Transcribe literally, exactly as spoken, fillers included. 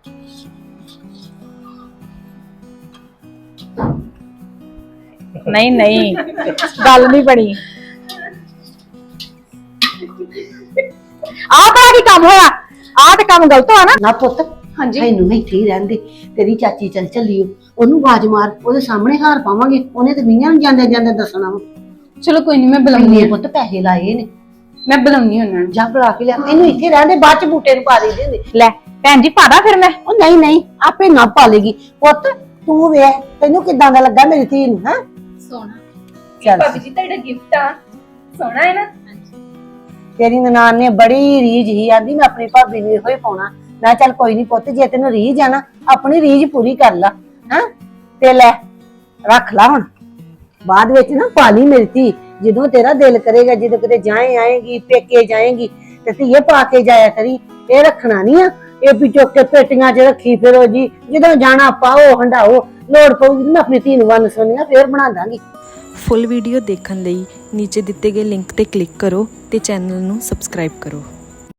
नहीं नहीं गल नहीं बनी आ बड़ा की काम होया आ ते काम गलत होया ना ना पुत हाँ जी मैनू ना इत्थे ही रहन दे तेरी चाची चल चली ओनू आवाज मार ओदे सामने हार पावांगे ओने ते मियां नूं जांदे जांदे दसना वा चलो कोई नहीं मैं बुलाऊंगी इन्ने पुत पैसे लाए ने मैं बुलाऊंगी उन्हां नूं जा बुला के लिया मैनू इत्थे रहन दे बाद च बूटे नूं पा दे दे ले भैन जी पादा फिर मैं ओ नहीं नहीं आपे ना पालेगी पुत तू वे तैनू किदां दा लगा मेरी धी नूं हैं सोना चल भाभी जी तेरा गिफ्ट आ सोना है ना तेरी ननान ने बड़ी रीझ ही आंदी मैं अपनी भाभी नूं इहो ही पाउणा मैं चल कोई नहीं पुत जे तैनू रीझ आ ना अपनी रीझ पूरी कर ला हैं ते ले रख ला हुण बाद विच ना पाली मेरी धी ਜਦੋਂ तेरा दिल करेगा ਜਦੋਂ ਕਿਤੇ ਜਾਏ ਆਏਗੀ ਪੇਕੇ ਜਾਏਗੀ ਤੇ ਧੀਏ ਪਾ ਕੇ ਜਾਇਆ ਕਰੀ ਇਹ ਰੱਖਣਾ ਨਹੀਂ ਆ ਇਹ ਵੀ ਚੁੱਕ ਕੇ ਪੇਟੀਆਂ 'ਚ ਰੱਖੀ ਫਿਰੋ ਜੀ ਜਦੋਂ ਜਾਣਾ ਪਾਓ ਹੰਡਾਓ ਲੋੜ ਪਊਗੀ ਮੈਂ ਆਪਣੀ ਧੀ ਨੂੰ ਵੰਨ ਸੁਣੀਆਂ ਫੇਰ ਬਣਾ ਦਾਂਗੀ। ਫੁੱਲ ਵੀਡੀਓ ਦੇਖਣ ਲਈ ਨੀਚੇ ਦਿੱਤੇ ਗਏ ਲਿੰਕ ਤੇ ਕਲਿੱਕ ਕਰੋ ਤੇ ਚੈਨਲ ਨੂੰ ਸਬਸਕ੍ਰਾਈਬ ਕਰੋ।